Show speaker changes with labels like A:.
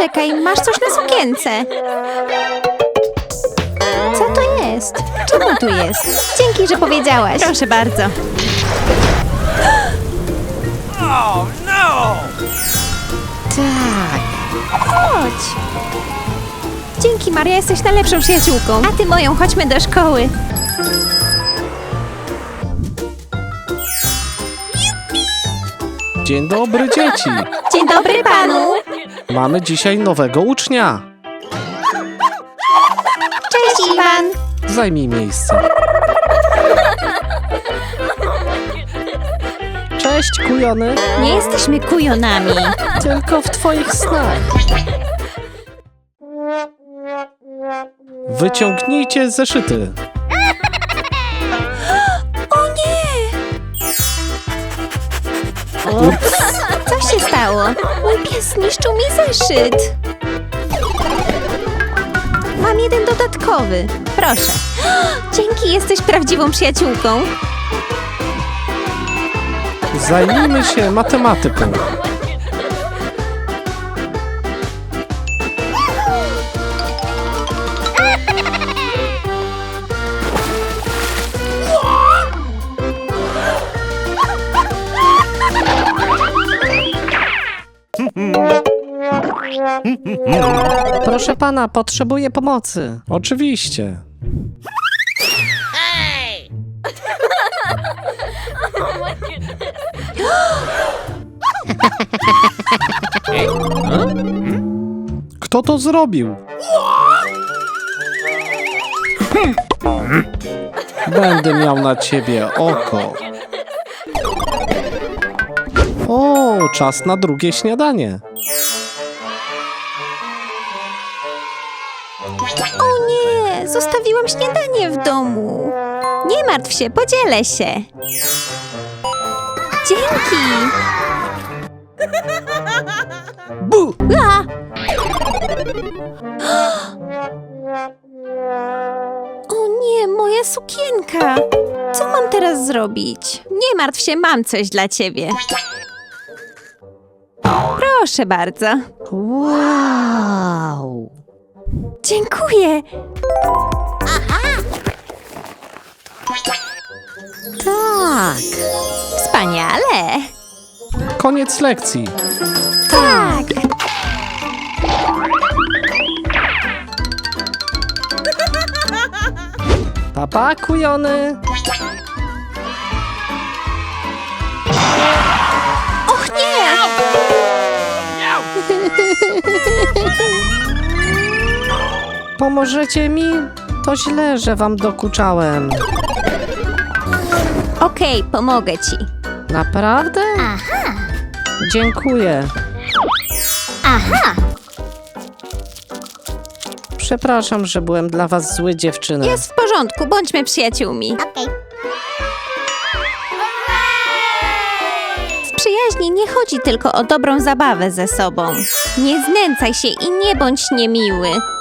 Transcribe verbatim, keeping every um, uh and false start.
A: Poczekaj, masz coś na sukience. Co to jest? Czemu tu jest? Dzięki, że powiedziałaś. Proszę bardzo.
B: Oh no!
A: Tak. Chodź. Dzięki, Maria, jesteś najlepszą przyjaciółką. A ty moją, chodźmy do szkoły.
C: Dzień dobry, dzieci!
A: Dzień dobry panu.
C: Mamy dzisiaj nowego ucznia.
A: Cześć, Iwan.
C: Zajmij miejsce. Cześć, kujony.
A: Nie jesteśmy kujonami.
C: Tylko w twoich snach. Wyciągnijcie zeszyty.
A: O nie! Co się stało? Mój pies zniszczył mi zeszyt. Mam jeden dodatkowy. Proszę. Dzięki, jesteś prawdziwą przyjaciółką.
C: Zajmijmy się matematyką. Proszę pana, potrzebuję pomocy. Oczywiście. Kto to zrobił? Będę miał na ciebie oko. O, czas na drugie śniadanie.
A: O nie, zostawiłam śniadanie w domu. Nie martw się, podzielę się. Dzięki.
C: Bu!
A: A! O nie, moja sukienka. Co mam teraz zrobić? Nie martw się, mam coś dla ciebie. Proszę bardzo.
C: Wow!
A: Dziękuję.
C: Tak!
A: Wspaniale.
C: Koniec lekcji.
A: Tak.
C: Papa, kujony.
A: Och nie.
C: Pomożecie mi? To źle, że wam dokuczałem.
A: Okej, pomogę ci.
C: Naprawdę?
A: Aha.
C: Dziękuję.
A: Aha.
C: Przepraszam, że byłem dla was zły, dziewczyny.
A: Jest w porządku, bądźmy przyjaciółmi. W przyjaźni nie chodzi tylko o dobrą zabawę ze sobą. Nie znęcaj się i nie bądź niemiły.